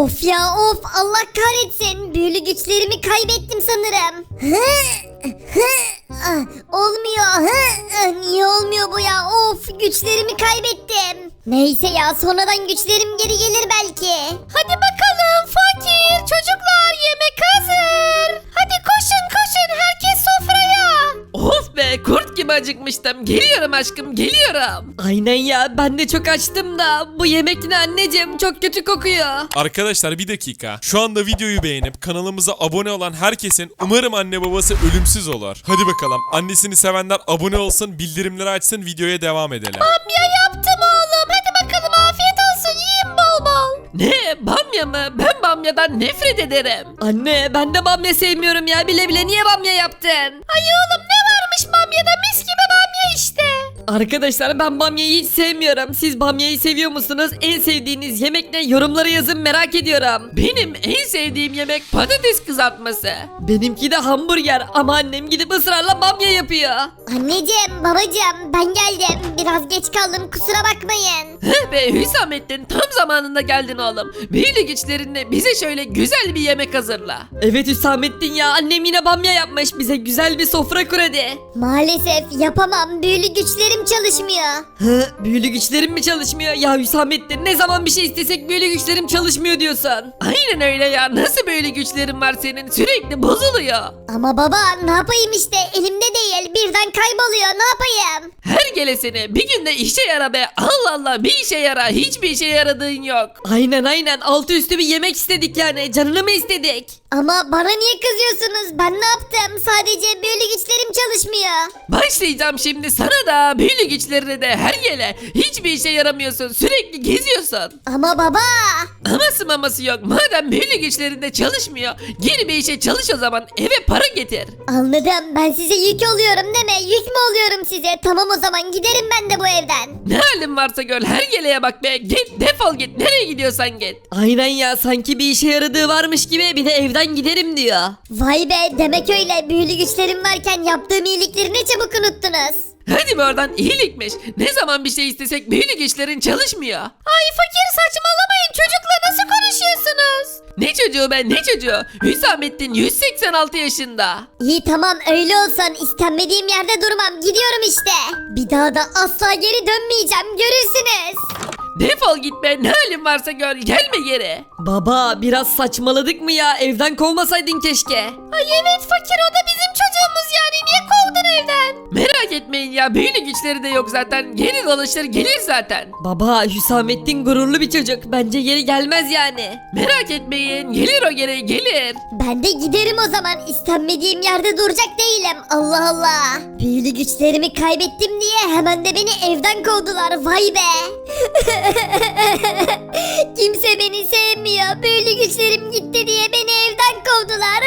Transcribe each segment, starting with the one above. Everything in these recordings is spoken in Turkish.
Of ya of, Allah kahretsin, büyülü güçlerimi kaybettim sanırım. Olmuyor. Niye olmuyor bu ya? Of, güçlerimi kaybettim. Neyse ya, sonradan güçlerim geri gelir belki. Hadi bakalım fakir çocuklar, yemek hazır. Hadi koşun koşun, herkes sofraya. Of be, kurt gibi acıkmıştım. Geliyorum aşkım, geliyorum. Aynen ya, ben de çok açtım da bu yemek ne anneciğim, çok kötü kokuyor. Arkadaşlar bir dakika. Şu anda videoyu beğenip kanalımıza abone olan herkesin umarım anne babası ölümsüz olur. Hadi bakalım. Annesini sevenler abone olsun, bildirimleri açsın, videoya devam edelim. Bamya yaptım oğlum. Hadi bakalım, afiyet olsun, yiyin bol bol. Ne? Bamya mı? Ben bamyadan nefret ederim. Anne, ben de bamya sevmiyorum ya, bile bile niye bamya yaptın? Ay oğlum, ne varmış bamyada? Mis gibi bamya işte. Arkadaşlar, ben bamyayı hiç sevmiyorum. Siz bamyayı seviyor musunuz? En sevdiğiniz yemek ne? Yorumlara yazın, merak ediyorum. Benim en sevdiğim yemek patates kızartması. Benimki de hamburger ama annem gidip ısrarla bamya yapıyor. Anneciğim, babacığım, ben geldim. Biraz geç kaldım, kusura bakmayın. Heh be Hüsamettin, tam zamanında geldin oğlum. Büyülü güçlerinle bize şöyle güzel bir yemek hazırla. Evet Hüsamettin ya, annem yine bamya yapmış, bize güzel bir sofra kur hadi. Maalesef yapamam, büyülü güçlerim çalışmıyor. Büyülü güçlerim mi çalışmıyor? Ya Hüsamettin, ne zaman bir şey istesek büyülü güçlerim çalışmıyor diyorsun. Aynen öyle ya, nasıl böyle güçlerin var senin, sürekli bozuluyor. Ama baba, ne yapayım işte, elimde değil, birden kayboluyor, ne yapayım? Her gelesine bir günde işe yara be, Allah Allah, bir işe yara, hiçbir işe yaradığın yok. Aynen, altı üstü bir yemek istedik yani, canını mı istedik? Ama bana niye kızıyorsunuz? Ben ne yaptım? Sadece büyülü güçlerim çalışmıyor. Başlayacağım şimdi sana da, büyülü güçlerine de, her gele hiçbir işe yaramıyorsun, sürekli geziyorsun. Ama baba. Aması maması yok, madem büyülü güçlerinde çalışmıyor, geri bir işe çalış o zaman, eve para getir. Anladım, ben size yük oluyorum değil mi? Yük mü oluyorum size? Tamam, o zaman giderim ben de bu evden. Ne halin varsa gör, her geleye bak be, git defol git, nereye gidiyorsan git. Aynen ya, sanki bir işe yaradığı varmış gibi bir de evden giderim diyor. Vay be, demek öyle. Büyülü güçlerim varken yaptığım iyilikleri ne çabuk unuttunuz. Hadi be oradan, iyilikmiş. Ne zaman bir şey istesek büyülü güçlerin çalışmıyor. Ay fakir, saçmalamayın, çocukla nasıl konuşuyorsunuz? Ne çocuğu be, ne çocuğu? Hüsamettin 186 yaşında. İyi tamam, öyle olsun, istenmediğim yerde durmam, gidiyorum işte. Bir daha da asla geri dönmeyeceğim, görürsünüz. Defol git be, ne halin varsa gör, gelme geri. Baba, biraz saçmaladık mı ya, evden kovmasaydın keşke. Ay evet fakir, o da bizim çocuğumuz yani, niye kovdun evden? Merak etmeyin ya, büyülü güçleri de yok zaten, geri dolaşır gelir zaten. Baba, Hüsamettin gururlu bir çocuk, bence geri gelmez yani. Merak etmeyin, gelir o geri, gelir. Ben de giderim o zaman, istenmediğim yerde duracak değilim, Allah Allah. Büyülü güçlerimi kaybettim diye hemen de beni evden kovdular, vay be. Kimse beni sevmiyor, büyülü güçlerim gitti diye beni evden kovdular.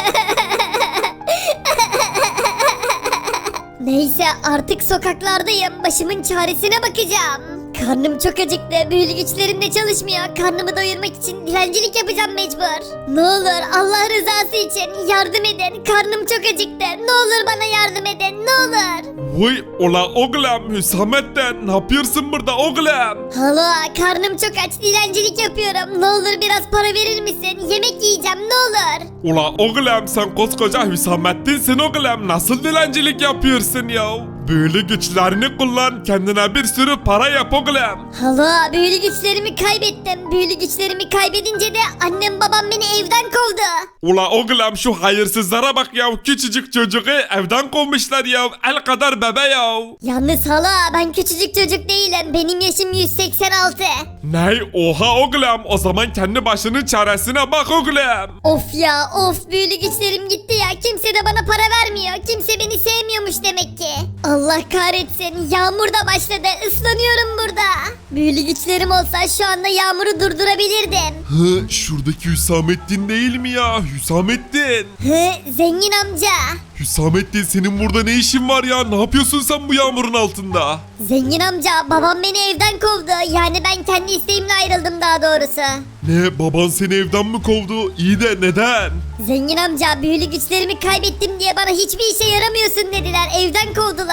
Neyse, artık sokaklardayım, başımın çaresine bakacağım. Karnım çok acıktı, büyülü güçlerim de çalışmıyor. Karnımı doyurmak için dilencilik yapacağım mecbur. Ne olur Allah rızası için yardım edin, karnım çok acıktı. Ne olur bana yardım edin, ne olur. Vay ola oğlum Hüsamettin, ne yapıyorsun burada oğlum? Hala, karnım çok aç, dilencilik yapıyorum. Ne olur biraz para verir misin? Yemek yiyeceğim, ne olur. Ula oğlum sen koskoca Hüsamettin'sin oğlum, nasıl dilencilik yapıyorsun ya? Böyle güçlerini kullan, kendine bir sürü para yap oğlum. Hala, büyülü güçlerimi kaybettim. Büyülü güçlerimi kaybedince de annem babam beni evden kovdu. Ula oğlum şu hayırsızlara bak ya, küçücük çocuğu evden kovmuşlar ya, el kadar bebe ya. Yalnız hala, ben küçücük çocuk değilim. Benim yaşım 186. Ney oha oğlum, o zaman kendi başının çaresine bak oğlum. Of ya of, büyülü güçlerim gitti ya. Kimse de bana para vermiyor. Kimse beni sevmiyormuş demek ki. Allah kahretsin, yağmur da başladı. Islanıyorum burada. Büyülü güçlerim olsa şu anda yağmuru durdurabilirdim. Hı, şuradaki Hüsamettin değil mi ya? Hüsamettin. Zengin amca. Hüsamettin, senin burada ne işin var ya? Ne yapıyorsun sen bu yağmurun altında? Zengin amca, babam beni evden kovdu. Yani ben kendi isteğimle ayrıldım daha doğrusu. Ne, baban seni evden mi kovdu? İyi de neden? Zengin amca, büyülü güçlerimi kaybettim diye bana hiçbir işe yaramıyorsun dediler. Evden kovdular.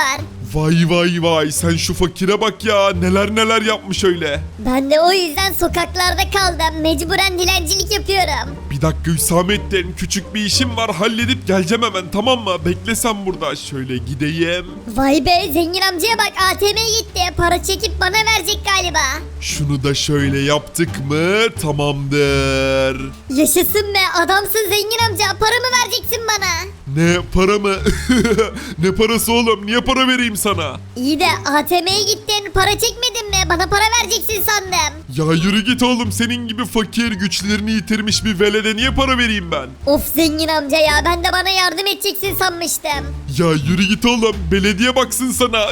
Vay vay vay, sen şu fakire bak ya, neler neler yapmış öyle. Ben de o yüzden sokaklarda kaldım. Mecburen dilencilik yapıyorum. Bir dakika Hüsamettin, küçük bir işim var, halledip geleceğim hemen, tamam mı? Bekle sen burada, şöyle gideyim. Vay be, zengin amcaya bak, ATM'ye gitti. Para çekip bana verecek galiba. Şunu da şöyle yaptık mı tamamdır. Yaşasın be, adamsın zengin amca. Para mı vereceksin bana? Ne para mı? Ne parası oğlum, niye para vereyim sana? İyi de ATM'ye gittin, para çekmedin mi? Bana para vereceksin sandım. Ya yürü git oğlum, senin gibi fakir, güçlerini yitirmiş bir velede niye para vereyim ben? Of zengin amca ya, ben de bana yardım edeceksin sanmıştım. Ya yürü git oğlum, belediye baksın sana.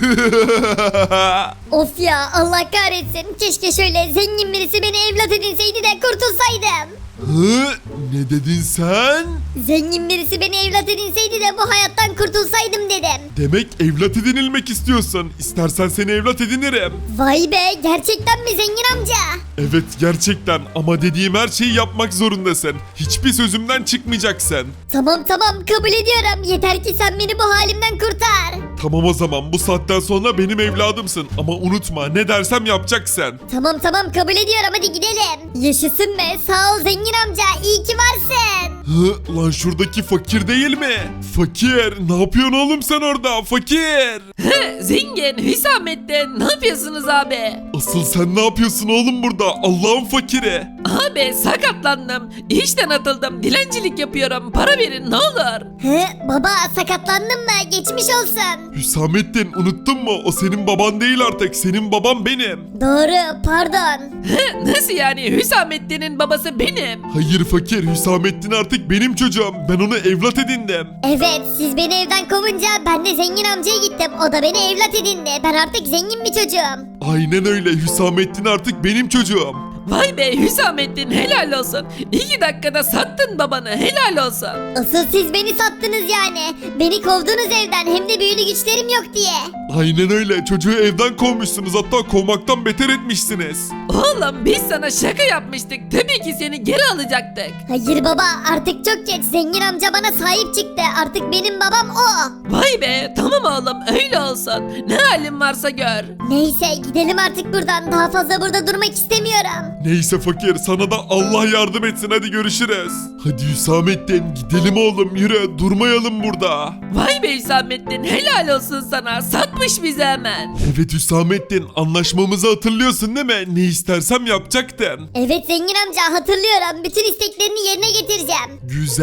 Of ya, Allah kahretsin. Keşke şöyle zengin birisi beni evlat edinseydi de kurtulsaydım. Hı? Ne dedin sen? Zengin birisi beni evlat edinseydi de bu hayattan kurtulsaydım dedim. Demek evlat edinilmek istiyorsun. İstersen seni evlat edinirim. Vay be, gerçekten mi zengin amca? Evet gerçekten, ama dediğim her şeyi yapmak zorundasın. Hiçbir sözümden çıkmayacaksın. Tamam kabul ediyorum. Yeter ki sen beni bu halimden kurtar. Tamam o zaman, bu saatten sonra benim evladımsın. Ama unutma, ne dersem yapacaksın. Tamam kabul ediyorum, hadi gidelim. Yaşasın be, sağ ol zengin amca, iyi ki varsın. Hı, lan şuradaki fakir değil mi? Fakir, ne yapıyorsun oğlum sen orada? Fakir. Zengin, Hüsamettin, ne yapıyorsunuz abi? Asıl sen ne yapıyorsun oğlum burada? Allah'ın fakiri. Abi sakatlandım. İşten atıldım. Dilencilik yapıyorum. Para verin ne olur. Baba, sakatlandın mı? Geçmiş olsun. Hüsamettin, unuttun mu? O senin baban değil artık. Senin baban benim. Doğru, pardon. Nasıl yani? Hüsamettin'in babası benim. Hayır fakir, Hüsamettin artık benim çocuğum. Ben onu evlat edindim. Evet, siz beni evden kovunca ben de zengin amcaya gittim. O da beni evlat edindi. Ben artık zengin bir çocuğum. Aynen öyle, Hüsamettin artık benim çocuğum. Vay be Hüsamettin, helal olsun. 2 dakikada sattın babanı, helal olsun. Asıl siz beni sattınız yani. Beni kovdunuz evden, hem de büyülü güçlerim yok diye. Aynen öyle, çocuğu evden kovmuşsunuz, hatta kovmaktan beter etmişsiniz. Oğlum biz sana şaka yapmıştık. Tabii ki seni geri alacaktık. Hayır baba, artık çok geç. Zengin amca bana sahip çıktı. Artık benim babam o. Vay be, tamam oğlum öyle olsun. Ne halin varsa gör. Neyse, gidelim artık buradan. Daha fazla burada durmak istemiyorum. Neyse fakir, sana da Allah yardım etsin, hadi görüşürüz. Hadi Hüsamettin, gidelim oğlum, yürü, durmayalım burada. Vay be Hüsamettin, helal olsun sana. Satmış bizi hemen. Evet Hüsamettin, anlaşmamızı hatırlıyorsun değil mi? Ne istersem yapacaktın. Evet zengin amca, hatırlıyorum. Bütün isteklerini yerine getireceğim.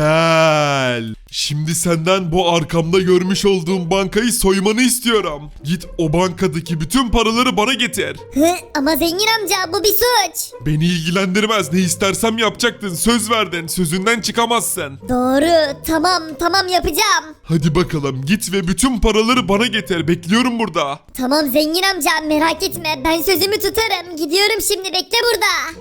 Güzel. Şimdi senden bu arkamda görmüş olduğum bankayı soymanı istiyorum. Git o bankadaki bütün paraları bana getir. Ama zengin amca, bu bir suç. Beni ilgilendirmez, ne istersem yapacaktın, söz verdin, sözünden çıkamazsın. Doğru, tamam yapacağım. Hadi bakalım, git ve bütün paraları bana getir, bekliyorum burada. Tamam zengin amca, merak etme, ben sözümü tutarım. Gidiyorum şimdi, bekle burada.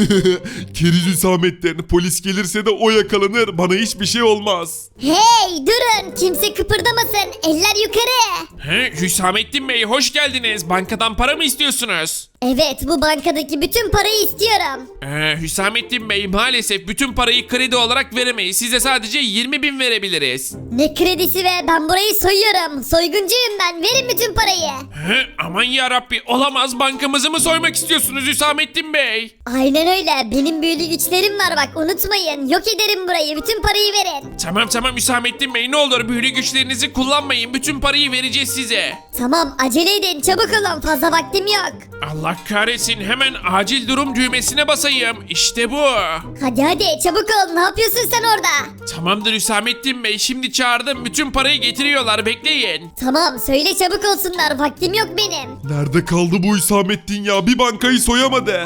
Keriz Hüsamettin, polis gelirse de o yakalanır, bana hiçbir şey olmaz. Hey durun, kimse kıpırdamasın, eller yukarı. Hüsamettin Bey hoş geldiniz. Bankadan para mı istiyorsunuz? Evet, bu bankadaki bütün parayı istiyorum. Hüsamettin Bey maalesef bütün parayı kredi olarak veremeyiz. Size sadece 20.000 verebiliriz. Ne kredisi, ve ben burayı soyuyorum. Soyguncuyum ben, verin bütün parayı. Aman yarabbi olamaz, bankamızı mı soymak istiyorsunuz Hüsamettin Bey? Aynen öyle, benim büyülü güçlerim var bak, unutmayın. Yok ederim burayı, bütün parayı verin. Tamam Hüsamettin Bey, ne olur büyülü güçlerinizi kullanmayın. Bütün parayı vereceğiz size. Tamam, acele edin, çabuk olun, fazla vaktim yok. Allah kahretsin, hemen acil durum düğmesine basayım. İşte bu. Hadi çabuk ol, ne yapıyorsun sen orada? Tamamdır Hüsamettin Bey, şimdi çağırdım, bütün parayı getiriyorlar, bekleyin. Tamam, söyle çabuk olsunlar, vaktim yok benim. Nerede kaldı bu Hüsamettin ya, bir bankayı soyamadı.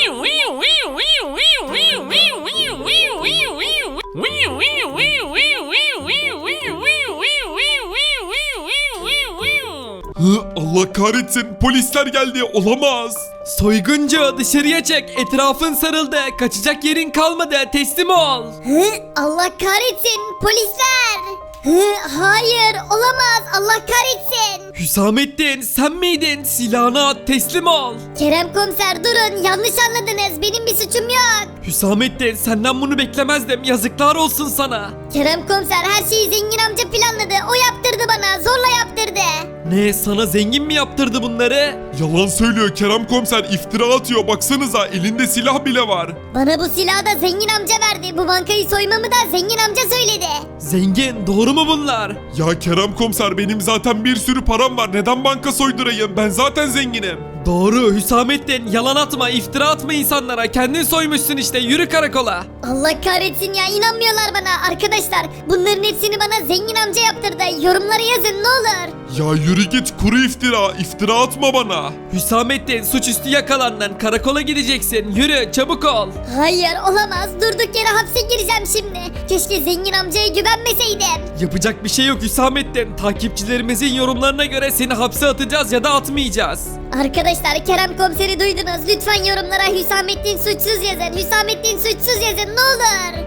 Allah kahretsin, polisler geldi, olamaz. Soyguncu dışarıya çek, etrafın sarıldı, kaçacak yerin kalmadı, teslim ol. Allah kahretsin, polisler. Hayır, olamaz, Allah kahretsin. Hüsamettin sen miydin? Silahını at, teslim ol. Kerem komiser, durun, yanlış anladınız, benim bir suçum yok. Hüsamettin senden bunu beklemezdim, yazıklar olsun sana. Kerem komiser, her şeyi zengin amca planladı, o yaptırdı bana, zorla yaptırdı. Ne, sana zengin mi yaptırdı bunları? Yalan söylüyor Kerem komiser, iftira atıyor, baksanıza elinde silah bile var. Bana bu silahı da zengin amca verdi. Bu bankayı soymamı da zengin amca söyledi. Zengin, doğru mu bunlar? Ya Kerem komiser, benim zaten bir sürü param var, neden banka soydurayım, ben zaten zenginim. Doğru Hüsamettin, yalan atma, iftira atma insanlara, kendin soymuşsun işte, yürü karakola. Allah kahretsin ya, inanmıyorlar bana. Arkadaşlar bunların hepsini bana zengin amca yaptırdı. Yorumlara yazın ne olur. Ya yürü git, kuru iftira atma bana. Hüsamettin, suçüstü yakalandın, karakola gideceksin, yürü çabuk ol. Hayır olamaz, durduk yere hapse gireceğim şimdi. Keşke zengin amcaya güvenmeseydim. Yapacak bir şey yok Hüsamettin, takipçilerimizin yorumlarına göre seni hapse atacağız ya da atmayacağız. Arkadaşlar Kerem komiseri duydunuz. Lütfen yorumlara Hüsamettin suçsuz yazın. Hüsamettin suçsuz yazın ne olur.